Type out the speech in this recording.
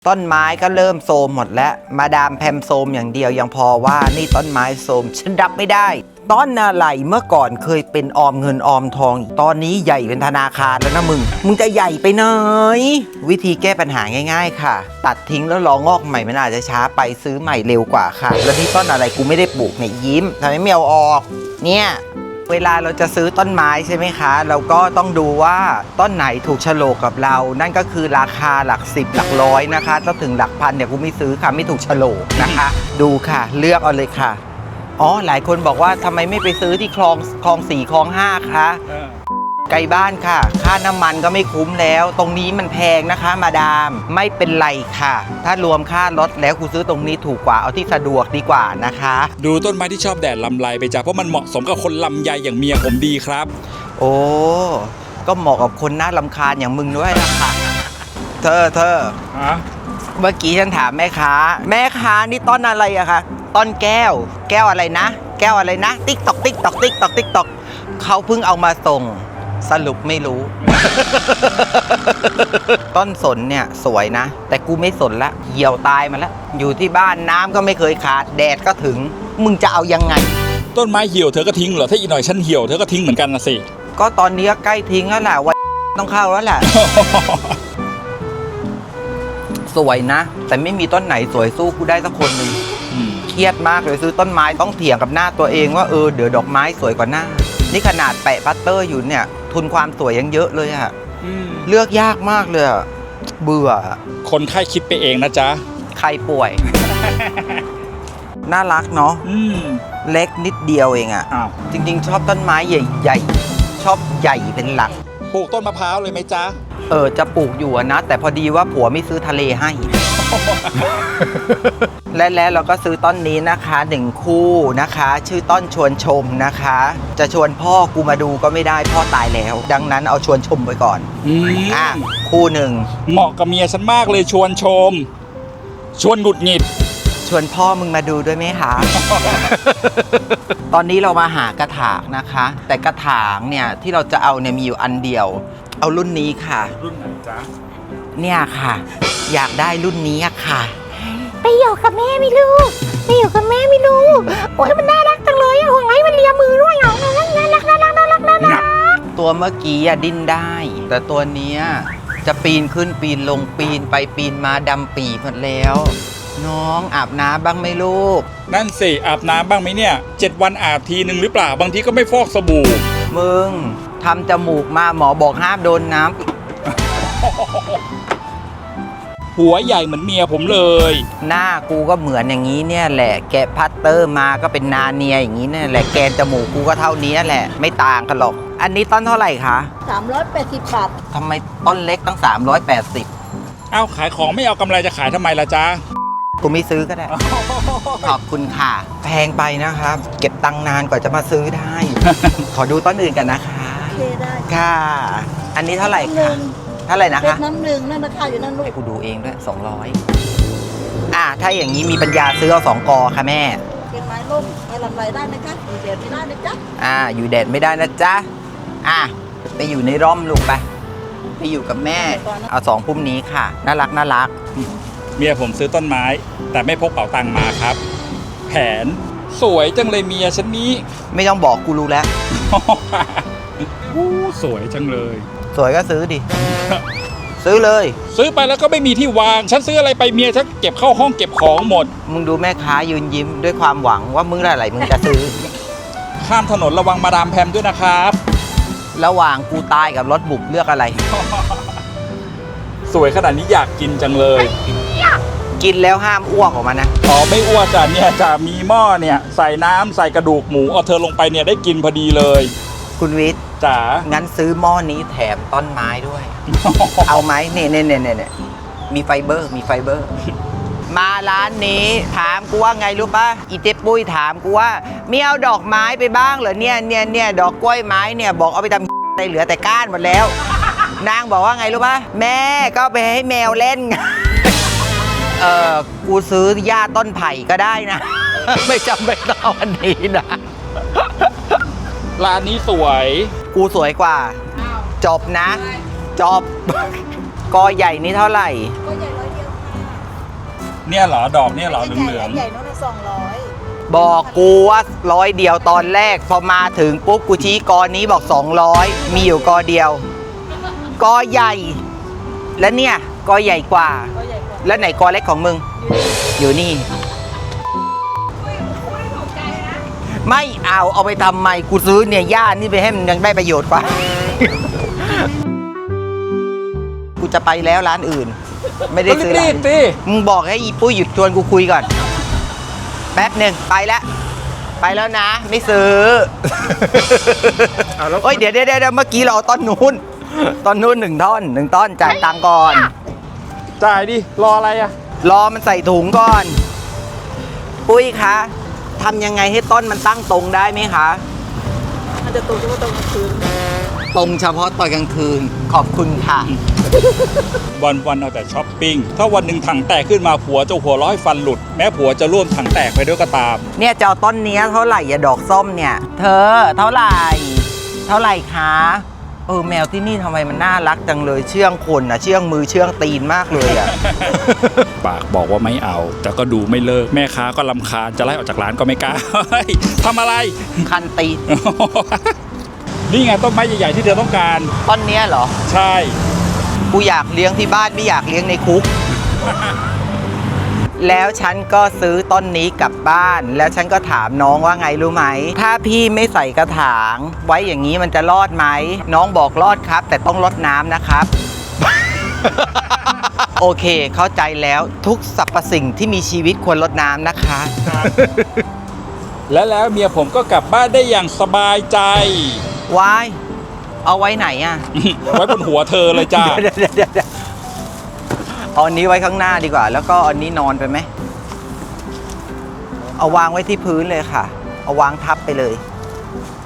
ต้นไม้ก็เริ่มโทรมหมดแล้วมาดามแพมโทรมอย่างเดียวยังพอว่านี่ต้นไม้โทรมฉันรับไม่ได้ต้นอะไรเมื่อก่อนเคยเป็นออมเงินออมทองตอนนี้ใหญ่เป็นธนาคารแล้วนะมึงจะใหญ่ไปไหนวิธีแก้ปัญหาง่ายๆค่ะตัดทิ้งแล้วรองอกใหม่มันอาจจะช้าไปซื้อใหม่เร็วกว่าค่ะแล้วนี่ต้นอะไรกูไม่ได้ปลูกเนี่ยยิ้มทำไมไม่เอาออกเนี่ยเวลาเราจะซื้อต้นไม้ใช่ไหมคะเราก็ต้องดูว่าต้นไหนถูกโฉลกกับเรานั่นก็คือราคาหลัก10หลักร้อยนะคะถ้าถึงหลักพันเนี่ยกูไม่ซื้อค่ะไม่ถูกโฉลกนะคะดูค่ะเลือกเอาเลยค่ะอ๋อหลายคนบอกว่าทำไมไม่ไปซื้อที่คลอง4คลอง5คะไกลบ้านค่ะค่าน้ำมันก็ไม่คุ้มแล้วตรงนี้มันแพงนะคะมาดามไม่เป็นไรค่ะถ้ารวมค่ารถแล้วกูซื้อตรงนี้ถูกกว่าเอาที่สะดวกดีกว่านะคะดูต้นไม้ที่ชอบแดดลำไรไปจ้ะเพราะมันเหมาะสมกับคนลำไยอย่างเมียผมดีครับโอ้ก็เหมาะกับคนน่ารำคาญอย่างมึงด้วยนะคะเธอเมื่อกี้ฉันถามแม่ค้านี่ต้นอะไรอะคะต้นแก้วอะไรนะแก้วอะไรนะติ๊กตอกเขาเพิ่งเอามาส่งสรุปไม่รู้ ต้นสนเนี่ยสวยนะแต่กูไม่สนละเหี่ยวตายมาแล้วอยู่ที่บ้านน้ำก็ไม่เคยขาดแดดก็ถึงมึงจะเอายังไงต้นไม้เหี่ยวเธอก็ทิ้งเหรอถ้าอีกหน่อยฉันเหี่ยวเธอก็ทิ้งเหมือนกันนะสิก็ตอนนี้ใกล้ทิ้งแล้วแหละวันต้องเข้าแล้วแหละ สวยนะแต่ไม่มีต้นไหนสวยสู้กูได้สักคนหนึ่งเครียดมากเลยซื้อต้นไม้ต้องเถียงกับหน้าตัวเองว่าเดี๋ยวดอกไม้สวยกว่าหน้านี่ขนาดแปะพัตเตอร์อยู่เนี่ยทุนความสวยยังเยอะเลยอะเลือกยากมากเลยอะเบื่อคนไข้คิดไปเองนะจ๊ะใครป่วย น่ารักเนาะเล็กนิดเดียวเองอะจริงๆชอบต้นไม้ใหญ่ๆชอบใหญ่เป็นหลักปลูกต้นมะพร้าวเลยไหมจ๊ะจะปลูกอยู่นะแต่พอดีว่าผัวไม่ซื้อทะเลให้ และเราก็ซื้อต้นนี้นะคะ1คู่นะคะชื่อต้นชวนชมนะคะจะชวนพ่อกูมาดูก็ไม่ได้พ่อตายแล้วดังนั้นเอาชวนชมไปก่อนคู่หนึ่งเหมาะกับเมียฉันมากเลยชวนชมชวนหงุดหงิดชวนพ่อมึงมาดูด้วยไหมคะ ตอนนี้เรามาหากระถางนะคะแต่กระถางเนี่ยที่เราจะเอาเนี่ยมีอยู่อันเดียวเอารุ่นนี้ค่ะรุ่นไหนจ๊ะเนี่ยค่ะอยากได้รุ่นนี้ค่ะไปอยู่กับแม่ไม่รู้โอ้ยมันน่ารักจังเลยห่วงไรมันเลียมือด้วยน่ารักตัวเมื่อกี้ดิ้นได้แต่ตัวนี้จะปีนขึ้นปีนลงปีนไปปีนมาดำปีหมดแล้วน้องอาบน้ำบ้างไหมลูกนั่นสิอาบน้ำบ้างไหมเนี่ย7 วันอาบทีนึงหรือเปล่าบางทีก็ไม่ฟอกสบู่มึงทำจมูกมาหมอบอกห้ามโดนน้ำหัวใหญ่เหมือนเมียผมเลยหน้ากูก็เหมือนอย่างนี้เนี่ยแหละแกะพัตเตอร์มาก็เป็นนาเนียอย่างนี้เนี่ยแหละแกนจมูกกูก็เท่านี้แหละไม่ต่างกันหรอกอันนี้ต้นเท่าไหร่คะ 380 บาททำไมต้นเล็กตั้ง380 ขายของไม่เอากำไรจะขายทำไมล่ะจ๊ะกูไม่ซื้อก็ได้ ขอบคุณค่ะแพงไปนะครับเก็บตังค์นานกว่าจะมาซื้อได้ ขอดูต้นอื่นกันนะคะได้ค่ะอันนี้เท่าไหร่คะเท่าไหร่นะคะน้ำหนึ่งนั่นราคาอยู่นั่นลูกให้กูดูเองด้วย200ถ้าอย่างนี้มีปัญญาซื้อเอา2 กอค่ะแม่เก็บไม้ร่มไม้ลำไรได้นะจ๊ะอยู่แดดไม่ได้นะจ๊ะอยู่แดดไม่ได้นะจ๊ะไปอยู่ในร่มลูกไปอยู่กับแม่เอา2 พุ่มนี้ค่ะน่ารักเมียผมซื้อต้นไม้แต่ไม่พกเป๋าตังค์มาครับแผนสวยจังเลยเมียฉันนี้ไม่ต้องบอกกูรู้แล้วสวยจังเลยสวยก็ซื้อดิ ซื้อเลยซื้อไปแล้วก็ไม่มีที่วางฉันซื้ออะไรไปเมียฉันเก็บเข้าห้องเก็บของหมดมึงดูแม่ค้ายืนยิ้มด้วยความหวังว่ามึงอะไรมึงจะซื้อข้ามถนนระวังมาดามแพมด้วยนะครับระหว่างกูตายกับรถบุบเลือกอะไรสวยขนาดนี้อยากกินจังเลยกินแล้วห้ามอ้วกออกมานะไม่อ้วกจ้ะเนี่ยจะมีหม้อเนี่ยใส่น้ำใส่กระดูกหมูเอาเธอลงไปเนี่ยได้กินพอดีเลยคุณวิทย์จ๋างั้นซื้อหม้อนี้แถมต้นไม้ด้วย เอาไหมเนี่ยมีไฟเบอร์มาร้านนี้ถามกูว่าไงรู้ป่ะอีเจ๊ปุ้ยถามกูว่ามีเอาดอกไม้ไปบ้างเหรอเนี่ยดอกกล้วยไม้เนี่ยบอกเอาไปทำได้เหลือแต่ก้านหมดแล้วนางบอกว่าไงรู้ป่ะแม่ก็ไปให้แมวเล่น กูซื้อหญ้าต้นไผ่ก็ได้นะ ไม่จำเป็นต้องเอาอันนี้นะร้านนี้สวยกูสวยกว่าจบนะจบกอใหญ่นี่เท่าไหร่กอใหญ่100 เดียวค่ะเนี่ยเหรอดอกเนี่ยเหรอเหลืองใหญ่ๆนู่นน่ะ200 บอกกูว่า100เดียวตอนแรกพอมาถึงปุ๊บกูชี้กอนี้บอก200มีอยู่กอเดียวกอใหญ่ แล้วเนี่ยกอใหญ่กว่าก็ใหญ่กว่าแล้วไหนกอเล็กของมึง อยู่นี่ ไม่เอาไปทำไมกูซื้อเนี่ยย่านี่ไปให้มันยังได้ประโยชน์กว่า กูจะไปแล้วร้านอื่น ไม่ๆได้ซื้อรีร้านบๆสิมึงบอกให้อีปุ้ยหยุดชวนกูคุยก่อน แป๊บหนึ่งไปแล้วไปแล้วนะ ไม่ซื้อเอาแล้วเฮ้ยเดี๋ยวเมื่อกี้เราเอาต้นนู้นหนึ่งต้นจ่ายตังค์ก่อนจ่ายดิรออะไรอ่ะรอมันใส่ถุงก่อน ปุ้ยคะทำยังไงให้ต้นมันตั้งตรงได้ไหมคะมันจะโตเฉพาะตรงกลางคืนตรงเฉพาะตอนกลางคืน ขอบคุณค่ะวันเอาแต่ช้อปปิ้งถ้าวันหนึ่งถังแตกขึ้นมาผัวจะหัวเร้อยฟันหลุด แม้ผัวจะร่วมถังแตกไปด้วยก็ตามเนี่ยจะเอาต้นเนี้ยเท่าไหร่อะดอกส้มเนี่ย เธอเท่าไหร่คะแมวที่นี่ทำไมมันน่ารักจังเลยเชื่องคนอะเชื่องมือเชื่องตีนมากเลยอะปากบอกว่าไม่เอา แต่ก็ดูไม่เลิกแม่ค้าก็ลำคาญจะไล่ออกจากร้านก็ไม่กล้า เฮ้ยทำอะไรคันตีนนี่ไงต้นไม้ใหญ่ๆที่เธอต้องการต้นเนี้ยเหรอใช่กูอยากเลี้ยงที่บ้านไม่อยากเลี้ยงในคุก แล้วฉันก็ซื้อต้นนี้กลับบ้าน แล้วฉันก็ถามน้องว่าไงรู้ไหม ถ้าพี่ไม่ใส่กระถาง ไว้อย่างนี้มันจะรอดไหม น้องบอกรอดครับ แต่ต้องรดน้ำนะครับ โอเค เข้าใจแล้วทุกสรรพสิ่งที่มีชีวิตควรรดน้ำนะคะแล้วเมียผมก็กลับบ้านได้อย่างสบายใจวายเอาไว้ไหนอ่ะไว้บนหัวเธอเลยจ้าเดี๋ยวเอาอันนี้ไว้ข้างหน้าดีกว่า แล้วก็อันนี้นอนไปไหม เอาวางไว้ที่พื้นเลยค่ะ เอาวางทับไปเลย